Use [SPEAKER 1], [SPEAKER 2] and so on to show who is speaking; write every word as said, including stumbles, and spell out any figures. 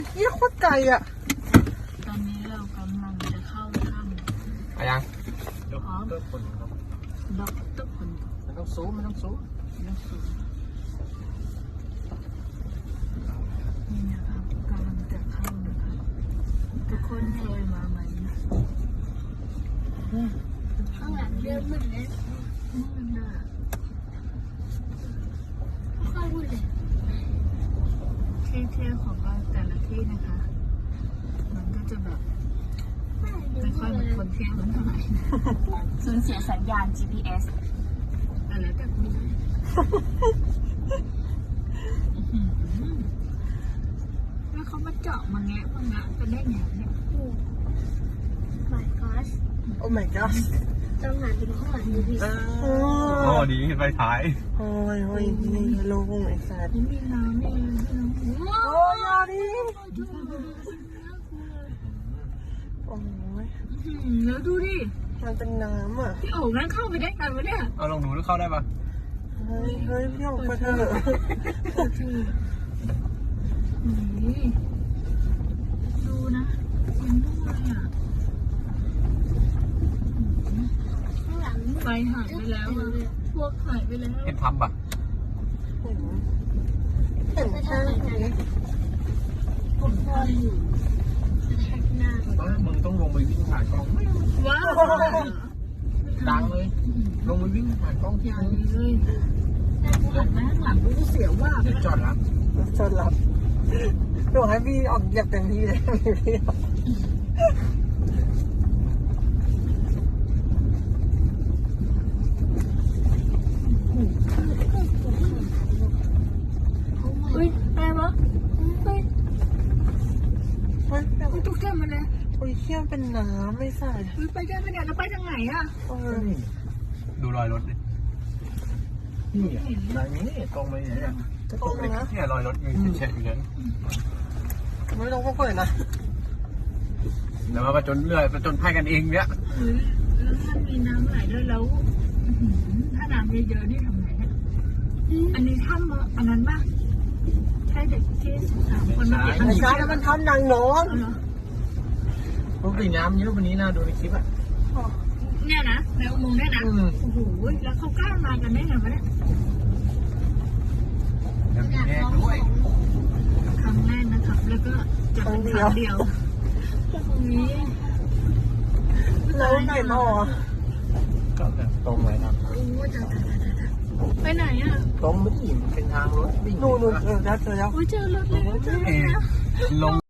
[SPEAKER 1] เยี่ยโคตรไกลอ่ะ
[SPEAKER 2] ตอนนี้เรากำลังจะเข้าถ้ำ
[SPEAKER 3] ไปยัง
[SPEAKER 2] พร้อมด็อกเตอร์ผล
[SPEAKER 3] มันต้องซูมมันต้องซูม
[SPEAKER 2] นักสูงนี่นะครับกำลังจะเข้านะครับทุกคนเคยมาไหม
[SPEAKER 4] ข้างหลังเริ่มมืดแล้ว
[SPEAKER 2] มืดน่ะ
[SPEAKER 4] ค่อยมืดเลย
[SPEAKER 2] ที่เที่ยวของเราแต่ละที่นะคะ มันก็จะแบบไม่ค่อยเหมือนคนเที่ยวเท่าไหร่
[SPEAKER 5] สูญเสียสัญญาณ จี พี เอส
[SPEAKER 2] แต่แล้วแต่คุณแล้วเขามาเจาะมาแงะมาแงะกันได้ไงเนี่ย
[SPEAKER 4] โอ้ my god
[SPEAKER 1] โอ้ my god
[SPEAKER 4] ต้องหันไปดูข้างหลังดูดิ
[SPEAKER 1] โอ้
[SPEAKER 3] โอ้ดีขึ้นไปท้าย
[SPEAKER 1] โอ้ยโอ้ยนี่ลงไอ้สัตว์
[SPEAKER 2] นี่มีน้ำนี่มีน้ำว้า
[SPEAKER 1] โอ้ยาดิโอ้ย
[SPEAKER 2] แล้วดูดิ
[SPEAKER 1] มันเป็นน้ำอ่ะ
[SPEAKER 2] พี่โอ๋งั้นเข้าไปได้ไงวะเนี่ย
[SPEAKER 3] เอาลองดูดูเข้าได้ปะ
[SPEAKER 1] เฮ้ยเฮ้ยพี่ออกมาเถอะ
[SPEAKER 2] นี่ดูนะมันด้วยอ่ะ
[SPEAKER 4] ข้างหลัง
[SPEAKER 2] ไฟหายไปแล้วอะพวกหายไปแล้ว
[SPEAKER 3] เห็นทำปะ
[SPEAKER 1] เห็นเห็นแค่นี้
[SPEAKER 4] ผมพออยู่แท็กหน้า
[SPEAKER 3] ต้องมึงต้องลงไปวิ่งผ่านกล้อง
[SPEAKER 2] ว้าว
[SPEAKER 3] ดังเลย ลงไปวิ่งผ่านกล้องที่
[SPEAKER 2] อย่าง
[SPEAKER 3] มึง
[SPEAKER 2] นี้เลยหันมาข้างหลังกูเสียวว่า
[SPEAKER 3] เดี๋ยวจอดแล้ว
[SPEAKER 1] จนหลับหนูให้พี่ออกเหยียบเต็มที่เลยพี่ออก
[SPEAKER 2] เฮ้ยอะไรวะเฮ้ย
[SPEAKER 1] เฮ้ย
[SPEAKER 2] เฮ้ยตุ๊กแกมันเลย
[SPEAKER 1] โอ้ยเขี้ยวเป็นน้ำไม่ใส่
[SPEAKER 2] เฮ้ยไปกันไปเนี่ยเราไปทางไหนอ่ะ
[SPEAKER 1] เออ
[SPEAKER 3] ดูรอยรถดินี่อ่ะทางนี้ตรงไปเนี่ย
[SPEAKER 1] จะตรงนะ
[SPEAKER 3] เนี่ยรอยรถมีเช็ดอยู่เลย
[SPEAKER 1] ไม่ต้องก็เปิดนะ
[SPEAKER 3] เดี๋ยวมาประจนเรื่อยประจนภัยกันเองเนี่ย
[SPEAKER 2] เฮ้ยแล้วถ้ามีน้ำไหลด้วยแล้วถ้าน้ำเยอะๆนี่ทำไงเนี่ยอันนี้ถ้ำอันนั้นป่ะใช่เด็กที่สามคนมาเก็บ
[SPEAKER 1] ไอ้ชาแล้วมันทำนางน้อง
[SPEAKER 3] ปกติน้ำเยอะวันนี้นะดูในคลิปอ่ะ
[SPEAKER 2] เนี่ยนะในอุโมงค์เนี่ยนะ
[SPEAKER 3] อืม
[SPEAKER 2] โอ้โหแล้วเขากล้ามากันได้ไงวะเนี่ย
[SPEAKER 3] เดี๋ยวมีแน่ด้วย
[SPEAKER 2] ครั้งแรกนะครับ แล้วก็จะเป็นครั้งเดียวตรงนี้
[SPEAKER 1] แล้วไหนต่อ
[SPEAKER 3] ก็แบบตรงเลยนะ
[SPEAKER 2] โอ้จ้าจ้าจ้าจ้าไปไหนอ่ะ
[SPEAKER 3] ตรงไม่อิ่มเป็นทางรถวิ่ง
[SPEAKER 1] หนูหนูเออแล้วเจอแล้ว
[SPEAKER 2] โอ้ยเจอรถแล้วเจอรถแล้ว
[SPEAKER 3] ลง